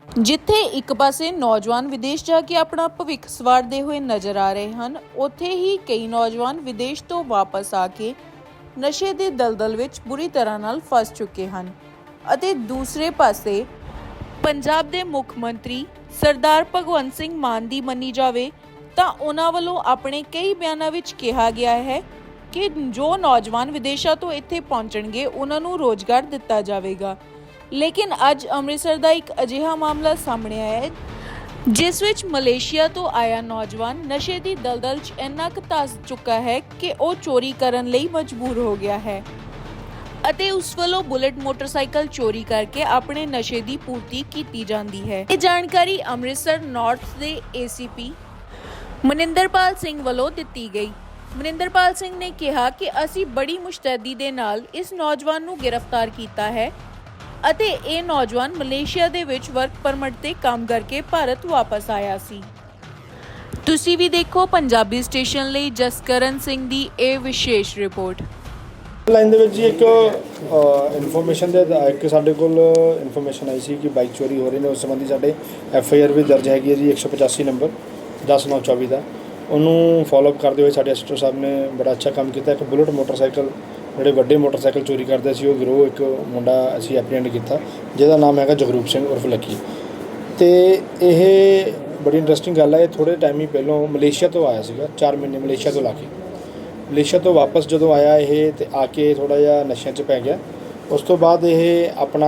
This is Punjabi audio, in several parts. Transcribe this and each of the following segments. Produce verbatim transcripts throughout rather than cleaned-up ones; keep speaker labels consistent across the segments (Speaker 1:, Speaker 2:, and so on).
Speaker 1: ਜਿੱਥੇ ਇੱਕ ਪਾਸੇ ਨੌਜਵਾਨ ਵਿਦੇਸ਼ ਜਾ ਕੇ ਆਪਣਾ ਭਵਿੱਖ ਸਵਾਰਦੇ ਹੋਏ ਨਜ਼ਰ ਆ ਰਹੇ ਹਨ, ਉੱਥੇ ਹੀ ਕਈ ਨੌਜਵਾਨ ਵਿਦੇਸ਼ ਤੋਂ ਵਾਪਸ ਆ ਕੇ ਨਸ਼ੇ ਦੇ ਦਲਦਲ ਵਿੱਚ ਬੁਰੀ ਤਰ੍ਹਾਂ ਨਾਲ ਫਸ ਚੁੱਕੇ ਹਨ ਅਤੇ ਦੂਸਰੇ ਪਾਸੇ ਪੰਜਾਬ ਦੇ ਮੁੱਖ ਮੰਤਰੀ ਸਰਦਾਰ ਭਗਵੰਤ ਸਿੰਘ ਮਾਨ ਦੀ ਮੰਨੀ ਜਾਵੇ ਤਾਂ ਉਹਨਾਂ ਵੱਲੋਂ ਆਪਣੇ ਕਈ ਬਿਆਨਾਂ ਵਿੱਚ ਕਿਹਾ ਗਿਆ ਹੈ ਕਿ ਜੋ ਨੌਜਵਾਨ ਵਿਦੇਸ਼ਾਂ ਤੋਂ ਇੱਥੇ ਪਹੁੰਚਣਗੇ ਉਹਨਾਂ ਨੂੰ ਰੋਜ਼ਗਾਰ ਦਿੱਤਾ ਜਾਵੇਗਾ। ਲੇਕਿਨ ਅੱਜ ਅੰਮ੍ਰਿਤਸਰ ਦਾ ਇੱਕ ਅਜਿਹਾ ਮਾਮਲਾ ਸਾਹਮਣੇ ਆਇਆ ਹੈ ਜਿਸ ਵਿੱਚ ਮਲੇਸ਼ੀਆ ਤੋਂ ਆਇਆ ਨੌਜਵਾਨ ਨਸ਼ੇ ਦੀ ਦਲਦਲ 'ਚ ਇੰਨਾ ਕੁ ਧਸ ਚੁੱਕਾ ਹੈ ਕਿ ਉਹ ਚੋਰੀ ਕਰਨ ਲਈ ਮਜਬੂਰ ਹੋ ਗਿਆ ਹੈ ਅਤੇ ਉਸ ਵੱਲੋਂ ਬੁਲਟ ਮੋਟਰਸਾਈਕਲ ਚੋਰੀ ਕਰਕੇ ਆਪਣੇ ਨਸ਼ੇ ਦੀ ਪੂਰਤੀ ਕੀਤੀ ਜਾਂਦੀ ਹੈ। ਇਹ ਜਾਣਕਾਰੀ ਅੰਮ੍ਰਿਤਸਰ ਨਾਰਥ ਦੇ ਏ ਸੀ ਪੀ ਮਨਿੰਦਰਪਾਲ ਸਿੰਘ ਵੱਲੋਂ ਦਿੱਤੀ ਗਈ। ਮਨਿੰਦਰਪਾਲ ਸਿੰਘ ਨੇ ਕਿਹਾ ਕਿ ਅਸੀਂ ਬੜੀ ਮੁਸ਼ਤੈਦੀ ਦੇ ਨਾਲ ਇਸ ਨੌਜਵਾਨ ਨੂੰ ਗ੍ਰਿਫਤਾਰ ਕੀਤਾ ਹੈ ਅਤੇ ਇਹ ਨੌਜਵਾਨ ਮਲੇਸ਼ੀਆ ਦੇ ਵਿੱਚ ਵਰਕ ਪਰਮਿਟ ਤੇ ਕੰਮ ਕਰਕੇ ਭਾਰਤ ਵਾਪਸ ਆਇਆ ਸੀ। ਤੁਸੀਂ ਵੀ ਦੇਖੋ ਪੰਜਾਬੀ ਸਟੇਸ਼ਨ ਲਈ ਜਸਕਰਨ ਸਿੰਘ ਦੀ ਇਹ ਵਿਸ਼ੇਸ਼ ਰਿਪੋਰਟ।
Speaker 2: ਲਾਈਨ ਦੇ ਵਿੱਚ ਜੀ ਇੱਕ ਇਨਫੋਰਮੇਸ਼ਨ ਦੇ ਇੱਕ ਸਾਡੇ ਕੋਲ ਇਨਫੋਰਮੇਸ਼ਨ ਆਈ ਸੀ ਕਿ ਬਾਈਕ ਚੋਰੀ ਹੋ ਰਹੀ ਨੇ। ਉਸ ਸੰਬੰਧੀ ਸਾਡੇ ਐਫ ਆਈ ਆਰ ਵੀ ਦਰਜ ਹੈਗੀ ਹੈ ਜੀ ਇੱਕ ਸੌ ਪਚਾਸੀ ਨੰਬਰ ਦਸ ਨੌ ਚੌਵੀ ਦਾ। ਉਹਨੂੰ ਫੋਲੋਅਪ ਕਰਦੇ ਹੋਏ ਸਾਡੇ ਐਸ ਟੀ ਓ ਸਾਹਿਬ ਨੇ ਬੜਾ ਅੱਛਾ ਕੰਮ ਕੀਤਾ। ਇੱਕ ਬੁਲਟ ਮੋਟਰਸਾਈਕਲ ਜਿਹੜੇ ਵੱਡੇ ਮੋਟਰਸਾਈਕਲ ਚੋਰੀ ਕਰਦੇ ਸੀ ਉਹ ਗਿਰੋਹ ਇੱਕ ਮੁੰਡਾ ਅਸੀਂ ਐਪਰੀਹੈਂਡ ਕੀਤਾ ਜਿਹਦਾ ਨਾਮ ਹੈਗਾ ਜਗਰੂਪ ਸਿੰਘ ਉਰਫ ਲੱਕੀ। ਅਤੇ ਇਹ ਬੜੀ ਇੰਟਰਸਟਿੰਗ ਗੱਲ ਹੈ, ਇਹ ਥੋੜ੍ਹੇ ਟਾਈਮ ਹੀ ਪਹਿਲਾਂ ਮਲੇਸ਼ੀਆ ਤੋਂ ਆਇਆ ਸੀਗਾ, ਚਾਰ ਮਹੀਨੇ ਮਲੇਸ਼ੀਆ ਤੋਂ ਲਾ ਕੇ ਮਲੇਸ਼ੀਆ ਤੋਂ ਵਾਪਸ ਜਦੋਂ ਆਇਆ ਇਹ ਅਤੇ ਆ ਕੇ ਥੋੜ੍ਹਾ ਜਿਹਾ ਨਸ਼ਿਆਂ 'ਚ ਪੈ ਗਿਆ। ਉਸ ਤੋਂ ਬਾਅਦ ਇਹ ਆਪਣਾ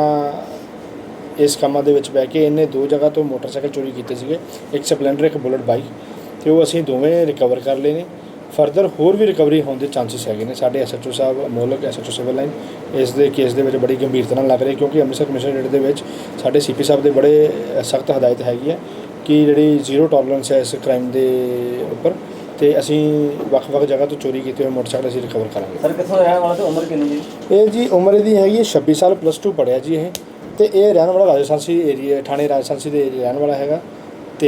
Speaker 2: ਇਸ ਕੰਮਾਂ ਦੇ ਵਿੱਚ ਬਹਿ ਕੇ ਇਹਨੇ ਦੋ ਜਗ੍ਹਾ ਤੋਂ ਮੋਟਰਸਾਈਕਲ ਚੋਰੀ ਕੀਤੇ ਸੀਗੇ, ਇੱਕ ਸਪਲੈਂਡਰ ਇੱਕ ਬੁਲਟ ਬਾਈਕ, ਅਤੇ ਉਹ ਅਸੀਂ ਦੋਵੇਂ ਰਿਕਵਰ ਕਰ ਲਏ ਨੇ। ਫਰਦਰ ਹੋਰ ਵੀ ਰਿਕਵਰੀ ਹੋਣ ਦੇ ਚਾਂਸਿਸ ਹੈਗੇ ਨੇ। ਸਾਡੇ ਐਸ ਐਚ ਓ ਸਾਹਿਬ Amolak S H O civil line ਇਸ ਦੇ ਕੇਸ ਦੇ ਵਿੱਚ ਬੜੀ ਗੰਭੀਰਤਾ ਨਾਲ ਲੱਗ ਰਹੇ ਕਿਉਂਕਿ ਅੰਮ੍ਰਿਤਸਰ ਕਮਿਸ਼ਨਰੇਟ ਦੇ ਵਿੱਚ ਸਾਡੇ ਸੀ ਪੀ ਸਾਹਿਬ ਦੇ ਬੜੇ ਸਖਤ ਹਦਾਇਤ ਹੈਗੀ ਹੈ ਕਿ ਜਿਹੜੀ ਜ਼ੀਰੋ ਟੋਲਰੈਂਸ ਹੈ ਇਸ ਕ੍ਰਾਈਮ ਦੇ ਉੱਪਰ, ਅਤੇ ਅਸੀਂ ਵੱਖ-ਵੱਖ ਜਗ੍ਹਾ ਤੋਂ ਚੋਰੀ ਕੀਤੇ ਹੋਏ ਮੋਟਰਸਾਈਕਲ ਅਸੀਂ ਰਿਕਵਰ ਕਰਾਂਗੇ।
Speaker 3: ਸਰ ਕਿੱਥੋਂ ਰਹਿਣ ਵਾਲਾ ਤੇ ਉਮਰ ਕਿੰਨੀ ਜੀ?
Speaker 2: ਇਹ ਜੀ ਉਮਰ ਇਹਦੀ ਹੈਗੀ ਹੈ ਛੱਬੀ ਸਾਲ, ਪਲੱਸ ਟੂ ਪੜ੍ਹਿਆ ਜੀ ਇਹ, ਅਤੇ ਇਹ ਰਹਿਣ ਵਾਲਾ ਰਾਜਸਥਾਨੀ ਏਰੀਆ ਥਾਣੇ ਰਾਜਸਥਾਨੀ ਦੇ ਰਹਿਣ ਵਾਲਾ ਹੈਗਾ। ਅਤੇ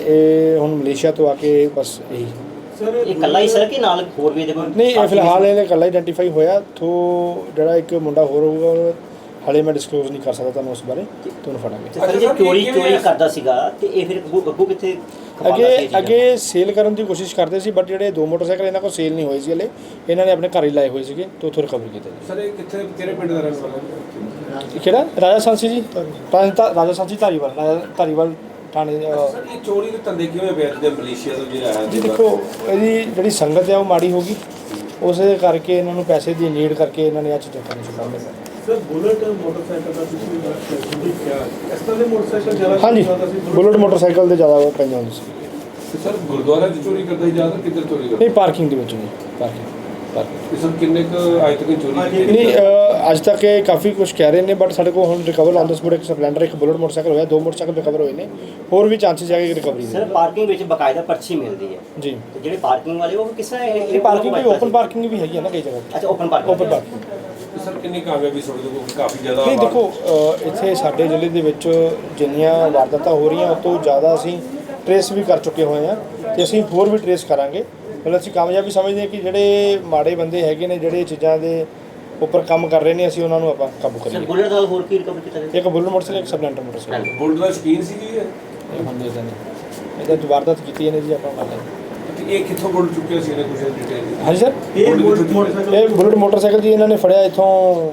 Speaker 2: ਇਹ ਹੁਣ ਮਲੇਸ਼ੀਆ ਤੋਂ ਆ ਕੇ ਬਸ ਇਹੀ
Speaker 3: ਸਰ ਇਹ ਇਕੱਲਾ ਹੀ ਸਰ ਕਿ ਨਾਲ ਹੋਰ ਵੀ ਇਹਦੇ ਕੋਲ?
Speaker 2: ਨਹੀਂ, ਇਹ ਫਿਲਹਾਲ ਇਹ ਇਕੱਲਾ ਆਈਡੈਂਟੀਫਾਈ ਹੋਇਆ। ਥੋ ਜਿਹੜਾ ਇੱਕ ਮੁੰਡਾ ਹੋਰ ਹੋਊਗਾ ਹਾਲੇ ਮੈਂ ਡਿਸਕਲੋਜ਼ ਨਹੀਂ ਕਰ ਸਕਦਾ ਤੁਹਾਨੂੰ ਉਸ ਬਾਰੇ, ਤੁਹਾਨੂੰ ਫੜਾਂਗੇ।
Speaker 3: ਸਰ ਜੇ ਚੋਰੀ ਚੋਰੀ ਕਰਦਾ ਸੀਗਾ ਤੇ ਇਹ ਫਿਰ ਅੱਗੋਂ ਅੱਗੋਂ ਕਿੱਥੇ
Speaker 2: ਅੱਗੇ ਅੱਗੇ ਸੇਲ ਕਰਨ ਦੀ ਕੋਸ਼ਿਸ਼ ਕਰਦੇ ਸੀ, ਬਟ ਜਿਹੜੇ ਦੋ ਮੋਟਰਸਾਈਕਲ ਇਹਨਾਂ ਕੋਲ ਸੇਲ ਨਹੀਂ ਹੋਏ ਸੀ ਹਲੇ, ਇਹਨਾਂ ਨੇ ਆਪਣੇ ਘਰ ਹੀ ਲਾਏ ਹੋਏ ਸੀਗੇ ਅਤੇ ਉੱਥੋਂ ਰਿਕਵਰ ਕੀਤੇ ਜੀ।
Speaker 4: ਸਰ ਇਹ ਕਿੱਥੇ ਕਿਹੜੇ ਪਿੰਡ ਦਾ ਰਹਿਣ ਵਾਲਾ?
Speaker 2: ਕਿਹੜਾ? ਰਾਜਸਥਾਨੀ ਜੀ, ਰਾਜਸਥਾਨੀ ਧਾਰੀਵਾਲ, ਰਾਜਾ ਧਾਰੀਵਾਲ ਥਾਣੇ।
Speaker 4: ਸਰ ਇਹ ਚੋਰੀ ਦੇ ਧੰਦੇ ਕਿਵੇਂ ਵੇਚਦੇ ਮਲੇਸ਼ੀਆ ਤੋਂ ਜੇ ਆਇਆ
Speaker 2: ਜੀ? ਦੇਖੋ ਇਹਦੀ ਜਿਹੜੀ ਸੰਗਤ ਹੈ ਉਹ ਮਾੜੀ ਹੋ ਗਈ, ਉਸੇ ਕਰਕੇ ਇਹਨਾਂ ਨੂੰ ਪੈਸੇ ਦੀ ਨੀਡ ਕਰਕੇ ਇਹਨਾਂ ਨੇ ਆਹ ਚੀਜ਼ਾਂ ਕਰਨੀ ਸ਼ੁਰੂ ਕਰ ਦਿੱਤੀਆਂ।
Speaker 4: ਸਰ ਬੁਲਟ ਮੋਟਰਸਾਈਕਲ ਦਾ ਤੁਸੀਂ ਕਿਹਾ ਇਸ ਤਰ੍ਹਾਂ ਦੇ ਮੋਟਰਸਾਈਕਲ ਜ਼ਿਆਦਾ?
Speaker 2: ਹਾਂਜੀ, ਬੁਲਟ ਮੋਟਰਸਾਈਕਲ ਦੇ ਜ਼ਿਆਦਾ ਪੈਂਦੇ ਹੁੰਦੇ ਸੀ।
Speaker 4: ਸਰ ਗੁਰਦੁਆਰਾ 'ਚ ਚੋਰੀ ਕਰਦਾ ਸੀ ਜ਼ਿਆਦਾ, ਕਿੱਧਰ ਚੋਰੀ ਕਰਦਾ?
Speaker 2: ਨਹੀਂ, ਪਾਰਕਿੰਗ ਦੇ ਵਿੱਚ ਨਹੀਂ, ਪਾਰਕਿੰਗ ਪਾਰਕਿੰਗ
Speaker 4: ਸਰ ਕਿੰਨੇ ਕੁ ਅੱਜ ਤੱਕ ਚੋਰੀ?
Speaker 2: ਨਹੀਂ, ਅੱਜ ਤੱਕ ਇਹ ਕਾਫੀ ਕੁਝ ਕਹਿ ਰਹੇ ਨੇ, ਬਟ ਸਾਡੇ ਕੋਲ ਹੁਣ ਰਿਕਵਰ ਆਨ ਦ ਸਪੋਟ ਇੱਕ ਸਪਲੈਂਡਰ ਇੱਕ ਬੁਲਟ ਮੋਟਰਸਾਈਕਲ ਹੋਇਆ, ਦੋ ਮੋਟਰਸਾਈਕਲ ਰਿਕਵਰ ਹੋਏ ਨੇ, ਹੋਰ ਵੀ ਚਾਂਸਿਸ ਹੈਗੇ ਰਿਕਵਰੀ ਦੇ।
Speaker 3: ਸਰ ਪਾਰਕਿੰਗ ਵਿੱਚ ਬਕਾਇਦਾ ਪਰਚੀ ਮਿਲਦੀ ਹੈ ਜੀ, ਤੇ ਜਿਹੜੇ ਪਾਰਕਿੰਗ ਵਾਲੇ ਉਹ ਕਿਸ ਤਰ੍ਹਾਂ
Speaker 2: ਇਹ ਪਾਰਕਿੰਗ ਵੀ ਓਪਨ ਪਾਰਕਿੰਗ ਵੀ ਹੈਗੀ ਹੈ ਨਾ ਕਈ ਜਗ੍ਹਾ।
Speaker 3: ਅੱਛਾ, open parking
Speaker 2: open parking.
Speaker 4: Sir ਕਿੰਨੀ ਕਾਮਯਾਬੀ ਤੁਹਾਡੇ ਕੋਲ? ਕਾਫੀ ਜ਼ਿਆਦਾ।
Speaker 2: ਨਹੀਂ ਦੇਖੋ, ਇੱਥੇ ਸਾਡੇ ਜ਼ਿਲ੍ਹੇ ਦੇ ਵਿੱਚ ਜਿੰਨੀਆਂ ਵਾਰਦਾਤਾਂ ਹੋ ਰਹੀਆਂ ਉਸ ਤੋਂ ਜ਼ਿਆਦਾ ਅਸੀਂ ਟਰੇਸ ਵੀ ਕਰ ਚੁੱਕੇ ਹੋਏ ਹਾਂ ਅਤੇ ਅਸੀਂ ਹੋਰ ਵੀ ਟਰੇਸ ਕਰਾਂਗੇ। ਮਤਲਬ ਅਸੀਂ ਕਾਮਯਾਬੀ ਸਮਝਦੇ ਹਾਂ ਕਿ ਜਿਹੜੇ ਮਾੜੇ ਬੰਦੇ ਹੈਗੇ ਨੇ ਜਿਹੜੇ ਚੀਜ਼ਾਂ ਦੇ ਉੱਪਰ ਕੰਮ ਕਰ ਰਹੇ ਨੇ, ਅਸੀਂ ਉਹਨਾਂ ਨੂੰ ਆਪਾਂ ਕਾਬੂ ਕਰੀਏ।
Speaker 3: ਬੁਲਟ ਨਾਲ ਹੋਰ ਕੀ ਰਿਕਵਰ ਕੀਤਾ?
Speaker 2: ਇੱਕ ਬੁਲਟ ਮੋਟਰਸਾਈਕਲ, ਇੱਕ ਸਪਲੈਂਡਰ ਮੋਟਰਸਾਈਕਲ।
Speaker 4: ਬੁਲਟ ਦਾ ਸ਼ੌਕੀਨ ਸੀ ਜੀ ਇਹ?
Speaker 2: ਇਹ ਹੁੰਦੇ ਤਾਂ ਨਹੀਂ, ਇਹਦਾ ਵਾਰਦਾਤ ਕੀਤੀ ਇਹਨੇ ਜੀ ਆਪਾਂ ਮੰਨ ਲੈਂਦੇ।
Speaker 4: ਇਹ ਕਿੱਥੋਂ ਬੁਲਟ ਚੁੱਕਿਆ ਸੀ ਇਹਨੇ ਕੁਝ ਡਿਟੇਲ?
Speaker 2: ਹਾਂਜੀ ਸਰ,
Speaker 4: ਇਹ ਬੁਲਟ ਮੋਟਰਸਾਈਕਲ
Speaker 2: ਇਹ ਬੁਲਟ ਮੋਟਰਸਾਈਕਲ ਜੀ ਇਹਨਾਂ ਨੇ ਫੜਿਆ ਇੱਥੋਂ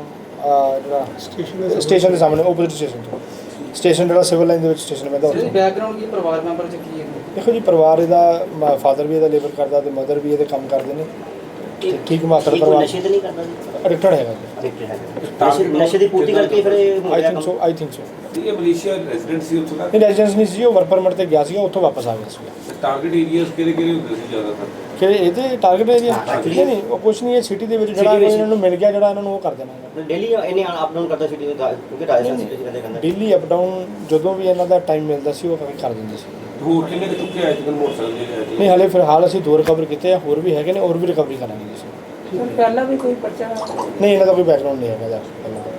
Speaker 2: ਜਿਹੜਾ ਸਟੇਸ਼ਨ ਸਟੇਸ਼ਨ ਦੇ ਸਾਹਮਣੇ ਓਪੋਜ਼ਿਟ ਸਟੇਸ਼ਨ ਤੋਂ, ਸਟੇਸ਼ਨ ਜਿਹੜਾ ਸਿਵਲ ਲਾਈਨ ਦੇ ਵਿੱਚ ਸਟੇਸ਼ਨ ਪੈਂਦਾ ਉੱਥੇ।
Speaker 5: ਬੈਕਗ੍ਰਾਉਂਡ ਕੀ ਪਰਿਵਾਰ ਮੈਂਬਰ ਚ ਕੀ ਹੈ?
Speaker 2: ਦੇਖੋ ਜੀ, ਪਰਿਵਾਰ ਇਹਦਾ ਫਾਦਰ ਵੀ ਇਹਦਾ ਲੇਬਰ ਕਰਦਾ ਅਤੇ ਮਦਰ ਵੀ ਇਹਦੇ ਕੰਮ ਕਰਦੇ ਨੇ, ਠੀਕ ਮਾਤਰ ਪਰਿਵਾਰ।
Speaker 3: ਨਸ਼ੇ ਤਾਂ ਨਹੀਂ ਕਰਦਾ ਜੀ?
Speaker 2: ਐਡਿਕਟਡ ਹੈਗਾ ਜੀ,
Speaker 3: ਨਸ਼ੇ ਨਸ਼ੇ ਦੀ ਪੂਰਤੀ ਕਰਕੇ ਫਿਰ ਇਹ
Speaker 2: I think so I think so
Speaker 4: ਇਹ ਮਲੇਸ਼ੀਆ ਰੈਜ਼ੀਡੈਂਟ ਸੀ ਉੱਥੋਂ ਦਾ?
Speaker 2: ਨਹੀਂ, ਰੈਜ਼ੀਡੈਂਸ ਨਹੀਂ ਸੀ, ਉਹ ਵਰਕ ਪਰਮਿਟ ਤੇ ਗਿਆ ਸੀਗਾ, ਉੱਥੋਂ ਵਾਪਸ ਆ ਗਿਆ ਸੀਗਾ।
Speaker 4: ਟਾਰਗੇਟ ਏਰੀਆਸ ਕਿਹੜੇ ਕਿਹੜੇ ਹੁੰਦੇ ਸੀ ਜ਼ਿਆਦਾਤਰ?
Speaker 2: ਕਿ ਇਹਦੇ ਟਾਰਗੇਟ ਏਰੀਆ ਨਹੀਂ ਨਹੀਂ ਉਹ ਕੁਛ ਨਹੀਂ, ਇਹ ਸਿਟੀ ਦੇ ਵਿੱਚ ਜਿਹੜਾ ਇਹਨਾਂ ਨੂੰ ਮਿਲ ਗਿਆ ਜਿਹੜਾ ਇਹਨਾਂ ਨੂੰ ਉਹ ਕਰ ਦੇਣਾ।
Speaker 3: ਡੇਲੀ ਇਹਨੇ ਅਪ ਡਾਊਨ ਕਰਦਾ ਸੀ ਕਿਉਂਕਿ ਰਾਜਸਥਾਨ ਸਿਟੀ ਦੇ ਕਹਿੰਦੇ
Speaker 2: ਡੇਲੀ ਅਪ ਡਾਊਨ ਜਦੋਂ ਵੀ ਇਹਨਾਂ ਦਾ ਟਾਈਮ ਮਿਲਦਾ ਸੀ ਉਹ ਕਰ ਦਿੰਦੇ ਸੀ।
Speaker 4: ਹੋਰ ਕਿੰਨੇ ਕੁ ਚੁੱਕੇ ਆਏ ਜਿੱਦਾਂ ਮੋਟਰਸਾਈਕਲ ਜਿਹੜੇ?
Speaker 2: ਨਹੀਂ, ਹਾਲੇ ਫਿਲਹਾਲ ਅਸੀਂ ਦੋ ਰਿਕਵਰ ਕੀਤੇ ਆ, ਹੋਰ ਵੀ ਹੈਗੇ ਨੇ, ਹੋਰ ਵੀ ਰਿਕਵਰੀ ਕਰਾਂਗੇ ਜੀ।
Speaker 5: ਪਹਿਲਾਂ ਵੀ ਕੋਈ ਪਰਚਾ?
Speaker 2: ਨਹੀਂ, ਇਹਨਾਂ ਦਾ ਕੋਈ ਬੈਕਗ੍ਰਾਉਂਡ ਨਹੀਂ ਹੈਗਾ ਇਹਦਾ ਪਹਿਲਾਂ।